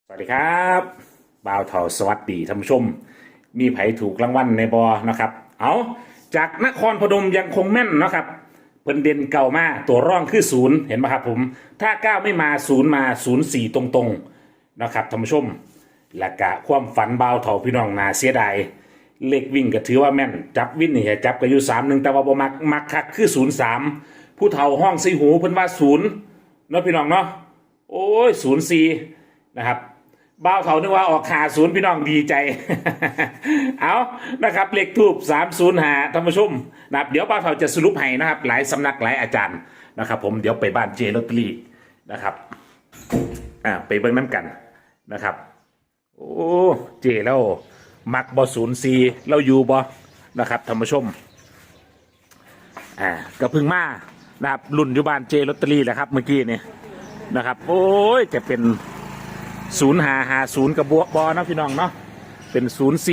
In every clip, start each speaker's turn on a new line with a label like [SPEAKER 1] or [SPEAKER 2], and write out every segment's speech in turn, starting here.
[SPEAKER 1] สวัสดีครับบ่าวเถาสวัสดีท่านผู้ชมมีไผถูกรางวัลในบอนะครับเอาจากนครพนมยังคงแม่นนะครับเพิ่นเด่นเก่ามาตัวร่องคือศูนย์เห็นไหมครับผมถ้าเก้าไม่มาศูนย์มา04ตรงๆนะครับท่านผู้ชมและกะความฝันบ่าวเถาพี่น้องนาเสียดายเลขวิ่งก็ถือว่าแม่นจับวิ่งนี่จับก็อยู่3-1แต่ว่าบ่มักคักคือ03ผู้เฒ่าห้องใส่หูเพิ่นว่าศูนย์เนาะพี่น้องเนาะโอ้ย04นะครับบ่าวเขานึกว่าออกขาศูนย์พี่น้องดีใจ เอานะครับเลขทูบ305ท่านผู้ชมนะครับเดี๋ยวบ่าวเขาจะสรุปให้นะครับหลายสำนักหลายอาจารย์นะครับผมเดี๋ยวไปบ้านเจลอตเตอรี่นะครับไปเบิ่งน้ำกันนะครับโอ้เจแล้วมักบอ04เราอยู่บอนะครับท่านผู้ชมก็เพึ่งมานะครับรุ่นอยู่บ้านเจลอตเตอรี่แหละครับเมื่อกี้นี่นะครับโอ้ยจะเป็น0550กับบอนะพี่น้องเนาะเป็น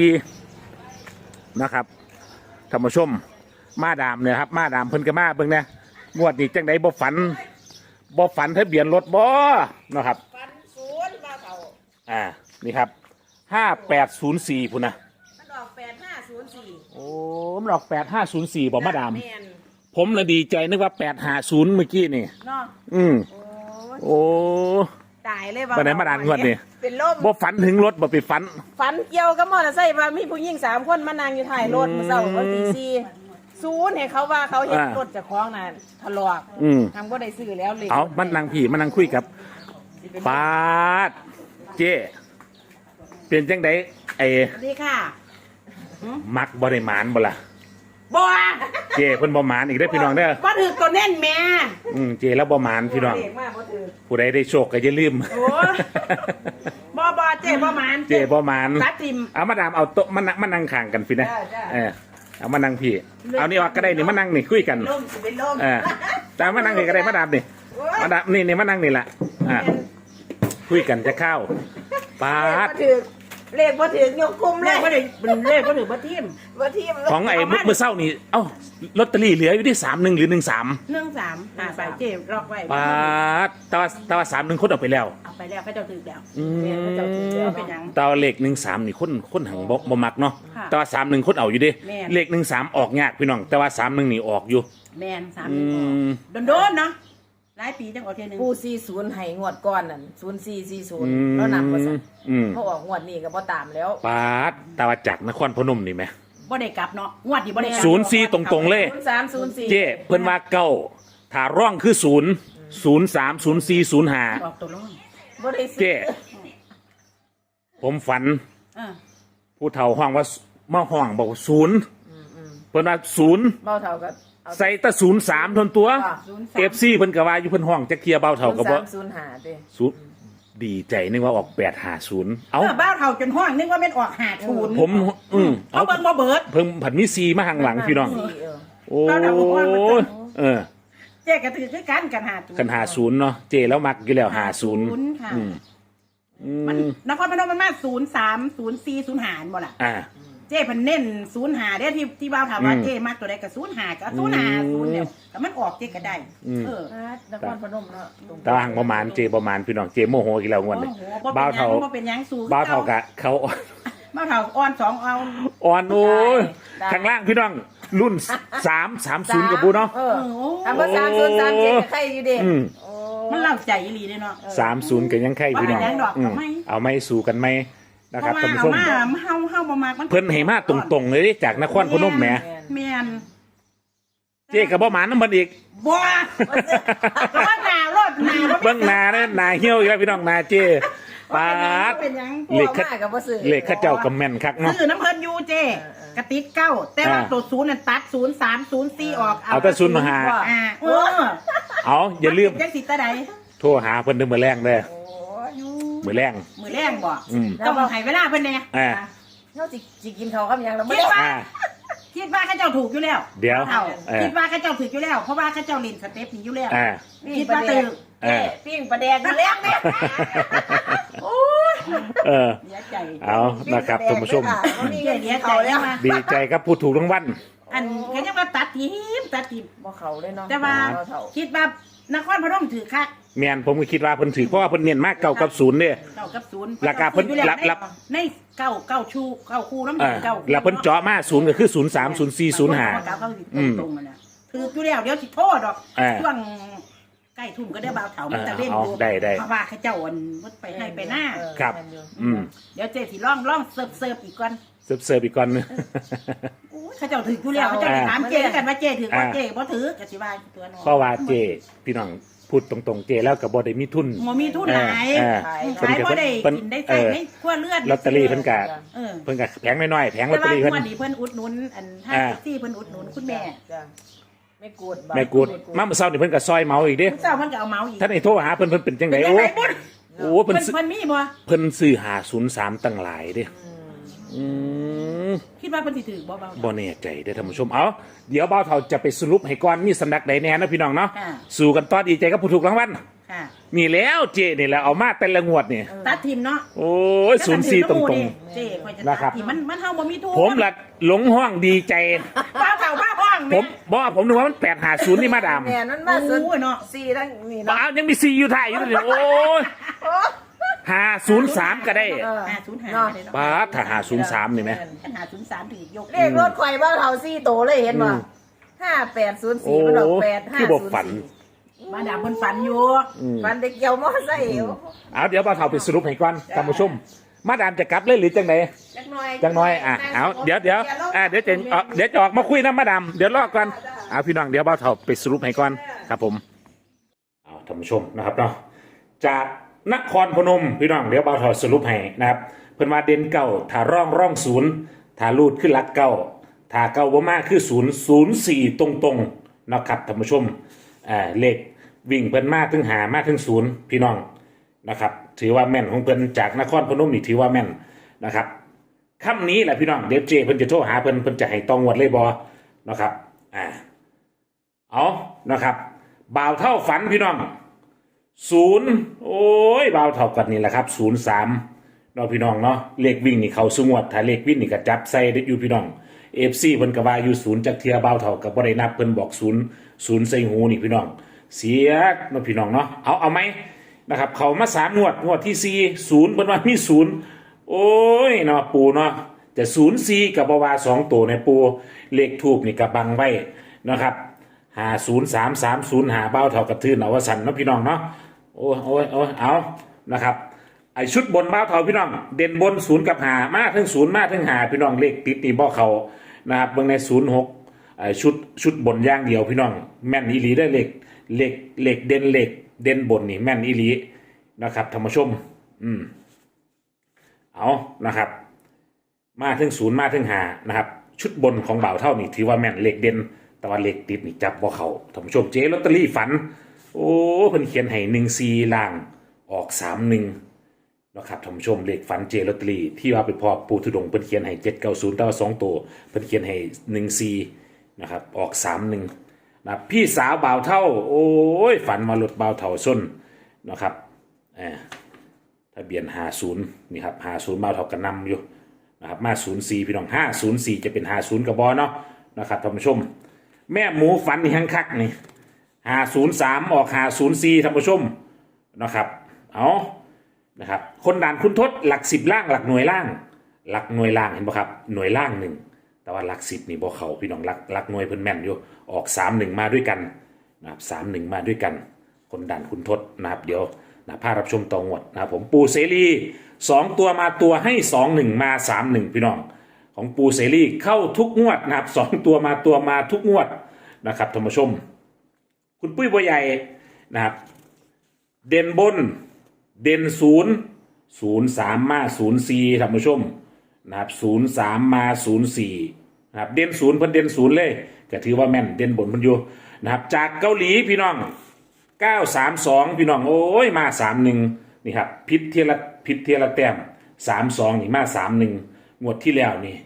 [SPEAKER 1] 04นะครับท่านผู้ชมมาดามเนี่ยครับมาดามเพิ่นก็มาเบิ่งเนี่ยงวดนี้จังไดบ่ฝันทะเบียนรถบ่นะครับ
[SPEAKER 2] ฟันศูนย์มาเท่า
[SPEAKER 1] นี่ครับ5804พุ่นนะ
[SPEAKER 2] มันออก8504
[SPEAKER 1] โอ้มันออก8504บ่มาดาม
[SPEAKER 2] แม่น
[SPEAKER 1] ผมเลยดีใจนึกว่า850เมื่อกี้นี่
[SPEAKER 2] เนาะ
[SPEAKER 1] โอ้
[SPEAKER 2] ตายเลยว่า
[SPEAKER 1] บ่ได้มาดามงวดนี่
[SPEAKER 2] เป็นลม
[SPEAKER 1] บ่ฝันถึงรถบ่ไปฝัน
[SPEAKER 2] เกี่ยวกับมอเตอร์ไซค์ว่ามีผู้หญิง3คนมานั่งอยู่ท้ายรถมื้อเช้าวันที่4ศูนย์ให้เขาว่าเขาเห็นรถเจ้าของน่ะทะลอกทำบ่ได้ซื้อแล้วเลย
[SPEAKER 1] เอามันนั่งพี่มันนั่งคุยกับปาดเจ้เป็นจังได๋
[SPEAKER 2] สวัสดีค่ะ
[SPEAKER 1] มักบ่ได้หมานบ่ล่ะ
[SPEAKER 2] บ่
[SPEAKER 1] เจ้เพิ่นบ่หมานอีกเด้อพี่น้องเด้อ
[SPEAKER 2] บ่ถือตัวแน่นแม่
[SPEAKER 1] เจ้แล้วบ่หมานพี่น้องผู้ใดได้โชคก็อย่าลืม
[SPEAKER 2] โอ้บ่เจ้บ่หมาน
[SPEAKER 1] เจ้บ่หมาน
[SPEAKER 2] ตัดทิม
[SPEAKER 1] เอามาดามเอาโต๊ะมานั่งข้างกันพี่นะเอามานั่งพี่เอานี่ว่าก็ได้นี่มานั่งนี่คุยกัน
[SPEAKER 2] ล่มสิเป็นล่ม
[SPEAKER 1] แต่มานั่งนี่ก็ได้มาดามนี่มาดามนี่มานั่งนี่ล่ะคุยกันจะเข้าปาด
[SPEAKER 2] เลขบ่ถึงยกคุมเลยเลขบ่ถึงบ่ทิม
[SPEAKER 1] ของไอ้มื้อเช้านี่เอ้าลอตเตอรี่เหลืออยู่ที่31หรือ13
[SPEAKER 2] 13หาไปเจ็บล็อกไว้
[SPEAKER 1] ปาดแต่ว่า31คนเอาไปแล้ว
[SPEAKER 2] เอาไปแล้วเขาเจ้าถือแล้วเขาเจ้าถือแล้วเป็นหยัง
[SPEAKER 1] แต่เลข13นี่คนหังบ่มักเนาะแต่ว่า31คนเอาอยู่ดิเลข13ออกยากพี่น้องแต่ว่า31นี่ออกอยู่
[SPEAKER 2] แม่น31โดนๆเนาะหลายปีจังออกเทื่อนึง
[SPEAKER 3] ผู้40ให้งวดก่อนนั่น0440แล้วนำว่าซั่นเขาออกงวดนี้ก็บ่ตามแล้ว
[SPEAKER 1] ปาดแต่ว่าจากนครพนมนี่แหม
[SPEAKER 2] บ่ได้กลับเนาะงวดนี้บ่ได้กลั
[SPEAKER 1] บ04ตรงๆเลย
[SPEAKER 3] 0304
[SPEAKER 1] เจ้เพิ่นว่าเก้าถ้าร่องคือ0 03 04 05
[SPEAKER 2] ออกตัวร่อง
[SPEAKER 3] บ่ได้
[SPEAKER 1] เจ้ผมฝันผู้เฒ่าห้องว่ามาห้องบอก0เพิ่นว่า0
[SPEAKER 3] เบาเท่ากับ
[SPEAKER 1] ใส่ตะ03ทนตัว FC เพิ่นก็ว่าอยู่เพิ่นห้องจักเที่ยเบาเฒ่าก็บ่
[SPEAKER 3] 0305เด้
[SPEAKER 1] ดีใจนึกว่าออก850
[SPEAKER 2] เอาบ้าเฒ่าจนห้องนึกว่าแม่นออก50
[SPEAKER 1] ผม
[SPEAKER 2] เอาเบิ่งบ่เบิด
[SPEAKER 1] เพิ่งผันมี4มาข้างหลังพี่น้องโอ้
[SPEAKER 2] เจ๊ก็ถือคือกันกัน
[SPEAKER 1] 50เนาะเจแล้วมักอยู่แล้ว50
[SPEAKER 2] ค่ะมันนครพนมมันมา030405บ่ล่ะเจ้เพิ่นเน้น05เด้ที่บ่าวถามว่าเจ้มักตัวใดก็05ก็05แล้วแต่มันออกเจ้ก็ได้
[SPEAKER 3] นครพนมเนาะ
[SPEAKER 1] ตารางประมาณเจประมาณพี่น้องเจโมโหอีกแล้วงวดนี้
[SPEAKER 2] บ่าวเฒ่าบ่เป็นหยังสู้
[SPEAKER 1] บ่าวเฒ่ากะเขา
[SPEAKER 2] บ่าวเฒ่าอ่อน2เอา
[SPEAKER 1] อ่อนโอ้ยข้างล่างพี่น้องรุ่น330กับบูเนาะ
[SPEAKER 3] ถ้าบ่303ใครอยู่เด้
[SPEAKER 2] มันเล่าใจอีหลีเด้เนาะ
[SPEAKER 1] 30ก็ยังใครพี่น้องเอาไม่สู้กันไหมนะครับท่านผู้ชม
[SPEAKER 2] เฮาบ่มักมัน
[SPEAKER 1] เพิ่นให้มาตรงๆเลยจากนครพนมแหม
[SPEAKER 2] แม่น
[SPEAKER 1] เจ๊ก็บ่หมานนำมันอีก
[SPEAKER 2] บ่แล้วหน้ารถ
[SPEAKER 1] เบิ่งหน้าเด้อหน้าเหี่ยวอีกแล้วพี่น้องหน้าเจ๊ปาดเลขเขาเจ้าก็แม่นคักเนาะ
[SPEAKER 2] ซื้อน้ำเพิ่นอยู่เจ๊กระติด9แต่ว่าตัว0นั่นตัด0304ออก
[SPEAKER 1] เอาแต่05เอาอย่าลืม
[SPEAKER 2] จังสิตาใด
[SPEAKER 1] โทรหาเพิ่นเด้อมื้อแรงเด้อมื้อแรง
[SPEAKER 2] บ่ต้องให้เวลาเพิ่นแน่
[SPEAKER 3] เฮาสิกินข้าวกับหยังแล้วบ่
[SPEAKER 2] คิดว่าเขาเจ้าถูกอยู่แล้ว
[SPEAKER 1] เดี๋ยว
[SPEAKER 2] คิดว่าเขาเจ้าถูกอยู่แล้วเพราะว่าเขาเจ้าเล่นสเต็ปนี้อยู่แล้วคิดว่าตื่น
[SPEAKER 3] ปิ้งปลาแดกอยู่แล้วแม่
[SPEAKER 2] โอ้ย
[SPEAKER 1] เอานะครับท่านผู้ชมดีใจครับผู้ถูกรางวัล
[SPEAKER 2] อันก็ยังว่าตัดทีม
[SPEAKER 3] บ่เข้าเลยเนาะ
[SPEAKER 2] แต่ว่าคิดว่านครพนมถือคัก
[SPEAKER 1] แม่นผมก็คิดว่าเพิ่นถือเพราะว่าเพิ่นเน้นมากเก่ากับศูนย์เนี่ย
[SPEAKER 2] เก้ากับศูนย์
[SPEAKER 1] ราคาเพิ่น
[SPEAKER 2] อยู่แล้ว
[SPEAKER 1] รับ
[SPEAKER 2] ในเก้าชูเก้าคู่น้ำห
[SPEAKER 1] อ่า
[SPEAKER 2] นึ่งเก้า
[SPEAKER 1] แล้วเพิ่นเจาะมาศูนย์ก็คือ03 04 05
[SPEAKER 2] เก้าสิตรงๆมันน่ะถืออยู่แล้วเดี๋ยวสิโทษดอก
[SPEAKER 1] อ่า
[SPEAKER 2] ช่วงใกล้ทุ่มก็ได้บ่าวเถามันจะเล่น
[SPEAKER 1] เอา
[SPEAKER 2] ดู
[SPEAKER 1] ได้
[SPEAKER 2] เพราะว่าเขาเจ้าอันมันไปให้ไปหน้า
[SPEAKER 1] ครับ
[SPEAKER 2] เดี๋ยวเจ๊สิล่องเสิร์ฟอีกก่อน
[SPEAKER 1] เสิร์ฟอีกก่อนนึง
[SPEAKER 2] โอ้ยเขาเจ้าถืออยู่แล้วเขาเจ้าไปถามเจ๊กันว่าเจ๊ถือว่าเจ๊บ่ถือกะสิว่าตัวน้อง
[SPEAKER 1] เพราะว่าเจพี่น้องพูดตรงๆเจแล้วก็บ่ได้มีทุน
[SPEAKER 2] หมอมีทุนหลาย
[SPEAKER 1] เพิ่น
[SPEAKER 2] ขาย
[SPEAKER 1] ก็
[SPEAKER 2] บ่ได้
[SPEAKER 1] เพิ่น
[SPEAKER 2] กินได้ใส่ในครัวเลือด
[SPEAKER 1] ลอตเตอรี่เพิ่นก็
[SPEAKER 2] เออ
[SPEAKER 1] เพิ่นก็แผงน้อยๆแผงลอ
[SPEAKER 2] แต่
[SPEAKER 1] ตเตอ
[SPEAKER 2] ว่า
[SPEAKER 1] รี่เพิ่น
[SPEAKER 2] วันนี้เพิ่นอุดหนุนอันห้า
[SPEAKER 1] อ่า
[SPEAKER 2] ที่เพิ่นอุดหนุนคุณแม่
[SPEAKER 3] จ้ะไม่กูด
[SPEAKER 1] แม่กูดมาเมื่อเช้านี่เพิ่นก็ซอยเมาอีกเด้
[SPEAKER 2] เจ้าเพิ่นก็เอาเมาอีก
[SPEAKER 1] ท่านไอ้โทรหาเพิ่นเป็นจังได
[SPEAKER 2] เป็น
[SPEAKER 1] โอ้
[SPEAKER 2] ไงบุญ
[SPEAKER 1] โอ้เพิ่นซื้อ
[SPEAKER 2] เพิ่นมีบ่
[SPEAKER 1] เพิ่นซื้อ503ตั้งหลายเด้อืม
[SPEAKER 2] คิดว่าเพิ่นสิถือบ่เบา
[SPEAKER 1] บ่แน่ใจเด้อท่านผู้ชมเอาเดี๋ยวบ่าวเฒ่าจะไปสรุปให้ก่อนมีสำนักใดแน่นะพี่น้องเนาะ
[SPEAKER 2] ค่ะ
[SPEAKER 1] สู้กันต่อดีใจกับผู้ถูกรางวัล
[SPEAKER 2] ค่ะ
[SPEAKER 1] นี่แล้วเจนี่แหละเอามาแต่ละงวดนี่
[SPEAKER 2] ตัดทีมเนาะ
[SPEAKER 1] โอ้ย04ตรง
[SPEAKER 2] เจ๊ค่อยจะ
[SPEAKER 1] นะครั
[SPEAKER 2] ตั
[SPEAKER 1] บ
[SPEAKER 2] ดทีมมันเฮาบ่มีทุน
[SPEAKER 1] ๆผมละหลงห้องดีใจ
[SPEAKER 2] บ้าเฒ่าบ้าห้อง
[SPEAKER 1] ผมบอกว่าผมนึกว่ามัน850นี่มาดาม
[SPEAKER 3] แม่นั่นมาสุด
[SPEAKER 2] โอ้ยเนาะ
[SPEAKER 3] สี่ทั้งนี่
[SPEAKER 1] บ้า
[SPEAKER 3] เนาะ
[SPEAKER 1] ยังมี4อยู่ท้ายอยู่เลยโอ้ย503ก็ได้
[SPEAKER 2] 505ได้เนาะ
[SPEAKER 1] บ้าถ้า503นี่ไหม
[SPEAKER 2] 503ถือยก
[SPEAKER 3] เลขรถข่อยบ้านเฮาสี่โตเลยเห็นบ่5804มันออก
[SPEAKER 1] คือบอกฝัน
[SPEAKER 3] 8504
[SPEAKER 2] มาดามเพิ่นฝันอยู่
[SPEAKER 3] ฝันเด็กเกี่ยวมอไซค์
[SPEAKER 1] เอาเดี๋ยวบ่าวเฒ่าไปสรุปให้ก่อนท่านผู้ชม มาดามจะกลับเลยหรือจังได
[SPEAKER 3] จักหน่อย
[SPEAKER 1] จังน้อยเอาเดี๋ยวเดี๋ยวจะออกมาคุยนะมาดามเดี๋ยวรอก่อนเอาพี่น้องเดี๋ยวบ่าวเฒ่าไปสรุปให้ก่อนครับผมเอาท่านผู้ชมนะครับเนาะจากนครพนมพี่น้องเดี๋ยวบ่าวเฒ่าสรุปให้นะครับเพิ่นมาเด่นเก่าถ้าร่องศูนย์ถ้ารูดขึ้นหลักเก่าถ้าเก่าบ่มากคือ004ตรงๆนะครับท่านผู้ชมเลขวิ่งเพิ่นมาถึงหามาถึงศูนย์พี่น้องนะครับถือว่าแม่นของเพิ่นจากนครพนมนี่ถือว่าแม่นนะครับค่ำนี้แหละพี่น้องเดี๋ยวเจเพิ่นจะโทรหาเพิ่นจะให้ตองวดเลยบ่นะครับเอานะครับบ่าวเท่าฝันพี่น้อง0โอ้ยบ่าวเท่ากันนี่แหละครับ03เนาะพี่น้องเนาะเลขวิ่งนี่เขาสงวดถ้าเลขวิ่งนี่ก็จับใส่ได้อยู่พี่น้อง FC เพิ่นก็ว่าอยู่0จักเทียบ่าวเท่าก็บ่ได้นับเพิ่นบอก0ใส่หูนี่พี่น้องเสียเนาะพี่น้องเนาะเอาไหมนะครับเขามา3งวดที่4 0เพิ่นว่ามี0โอ้ยเนาะปูเนาะจะ04กับบวา2ตัวในปูเลขทูบนี่ก็บังไว้นะครับ50330หาเบ้าเท่ากับทื่นเอาว่าสั่นเนาะพี่น้องเนาะโอ้เอานะครับไอชุดบนเบ้าเท่าพี่น้องเด่นบน0กับ5มาถึง0มาถึง5พี่น้องเลขติดนี่บ่เขานะครับเบิ่งใน06ไอชุดบนอย่างเดียวพี่น้องแม่นอีหลีได้เลขเด่นบนนี่แม่นอีหลีนะครับท่านผู้ชมเอานะครับมาถึง0มาถึง5นะครับชุดบนของบ่าวเท่านี่ถือว่าแม่นเลขเด่นแต่ว่าเลขติดนี่จับบ่เขาท่านผู้ชมเจ๊ลอตเตอรี่ฝันโอ้เพิ่นเขียนให้14ล่างออก31นะครับท่านผู้ชมเลขฝันเจลอตเตอรี่ที่ว่าเป็นพ่อปู่ทุดงค์เพิ่นเขียนให้790แต่ว่า2ตัวเพิ่นเขียนให้14นะครับออก31นะพี่สาวบ่าวเท่าโอ้ยฝันมารถบ่าวเท่าส้นนะครับทะเบียน50นี่ครับ50บ่าวเท่ากันนำอยู่นะครับมา04พี่น้อง504จะเป็น50กับบอเนาะนะครับท่านผู้ชมแม่หมูฝันนี่หังคักนี่503ออก504ท่านผู้ชมนะครับเอานะครับคนด่านคุณทศหลัก10ล่างหลักหน่วยล่างเห็นป่ะครับหน่วยล่าง1แต่ว่าหลัก10นี่บ่เข้าพี่น้องหลักหน่วยเพิ่นแม่นอยู่ออก31มาด้วยกันนะครับ31มาด้วยกันคนด่านคุณทศนะครับเดี๋ยวนะพารับชมต่องวดนะครับผมปูเสรี2ตัวมาตัวให้21มา31พี่น้องของปูเสรีเข้าทุกงวดนะครับ2ตัวมาทุกงวดนะครับท่านผู้ชมคุณปุ้ยบัวใหญ่นะครับเด่นบนเด่น03มา04ท่านผู้ชมนะครับ03มา04นะครับเด่น0เพิ่นเด่น0เลยก็ถือว่าแม่นเด่นบนเพิ่นอยู่นะครับจากเกาหลีพี่น้อง932พี่น้องโอ้ยมา31นี่ครับพิษเทียละแต้ม32นี่มา31งวดที่แล้วนี่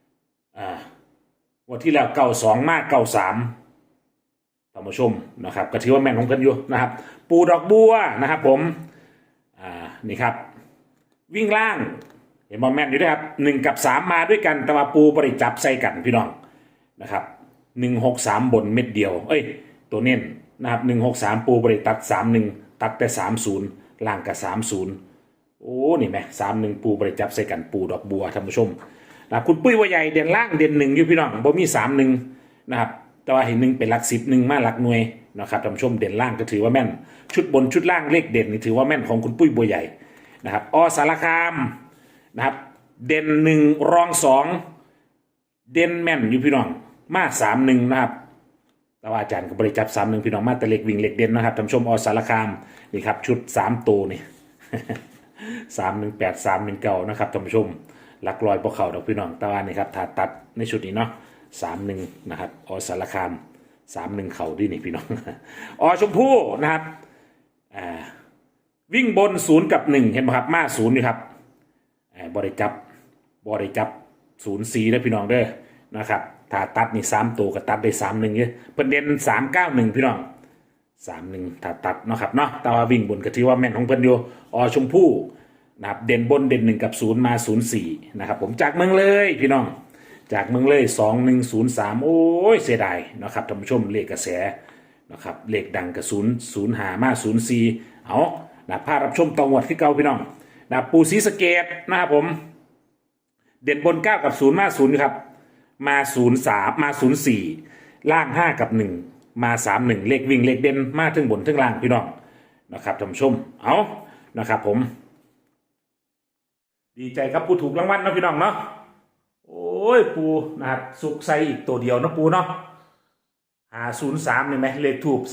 [SPEAKER 1] งวดที่แล้ว92มา93ท่านผู้ชมนะครับก็ถือว่าแม่นของเพิ่นอยู่นะครับปูดอกบัวนะครับผมนี่ครับวิ่งล่างเห็นบอลแม่นอยู่ด้วยครับ1กับ3มาด้วยกันแต่ว่าปูบริจับใส่กันพี่น้องนะครับ163บนเม็ดเดียวตัวเน้นนะครับ163ปูบริตัด31ตัดแต่30ล่างกับ30โอ้นี่ไหม31ปูบริจับใส่กันปูดอกบัวท่านผู้ชมนะครับคุณปุ้ยว่าใหญ่เด่นล่างเด่น1อยู่พี่น้องบ่มี31นะครับแต่ว่าเห็น1เป็นหลัก10 1มาหลักหน่วยนะครับท่านผู้ชมเด่นล่างก็ถือว่าแม่นชุดบนชุดล่างเลขเด่นนี่ถือว่าแม่นของคุณปุ้ยบัวใหญ่นะครับอสารคามนะครับเด่น1รอง2เด่นแม่นอยู่พี่น้องมา31นะครับแต่ว่าอาจารย์ก็บริจับ31พี่น้องมาแต่เล็กวิ่งเล็กเด่นนะครับท่านผู้ชมอสารคามนี่ครับชุด3ตัวนี่ 318 319นะครับท่านผู้ชมหลักลอยพวกเขาดอกพี่น้องแต่ว่านี่ครับถ้าตัดในชุดนี้เนาะ31นะครับอสารคาม31เข่าดีนี่พี่น้อง อชมพู่นะครับวิ่งบน0กับ1เห็นไหมครับมา0นี่ครับบริจับ04นะพี่น้องเด้อนะครับถ้าตัดนี่3ตัวก็ตัดได้31เนี่ยประเด็น391พี่น้อง31ถ้าตัดเนาะครับเนาะแต่ว่าวิ่งบนก็ถือว่าแม่นของเพิ่นอยู่อชมพู่นะครับเด่นบนเด่น1กับ0มา04นะครับผมจากเมืองเลยพี่น้องจากเมืองเลย2103โอ้ยเสียดายนะครับท่านผู้ชมเลขกระแสนะครับเลขดังกับ005มา04เอานะพารับชมตองวดที่เก่าพี่น้องนะปูศรีสะเกษนะครับผมเด่นบน9กับ0มา0ครับมา03มา04ล่าง5กับ1มา31เลขวิ่งเลขเด่นมาถึงบนถึงล่างพี่น้องนะครับท่านผู้ชมเอานะครับผมดีใจครับผู้ถูกรางวัลนะพี่น้องเนาะโอ้ยปูนะครับสุกใส่อีกตัวเดียวนะปูเนาะ503นี่ไหมเลขถูก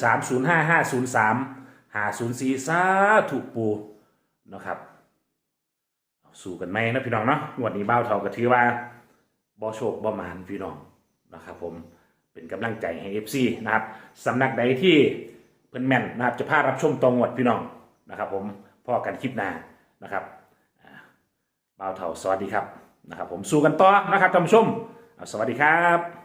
[SPEAKER 1] 305503 504สาถูกปูนะครับสู้กันไหมนะพี่น้องเนาะวันนี้เบ้าเท่าก็ถือว่าบ่โชคบ่หมานพี่น้องนะครับผมเป็นกำลังใจให้ FC นะครับสำนักใดที่เพิ่นแม่นนะครับจะพารับชมตรงวดพี่น้องนะครับผมพอกันคลิปหน้านะครับเบ้าเท่าสวัสดีครับนะครับผมสู้กันต่อนะครับท่านผู้ชมสวัสดีครับ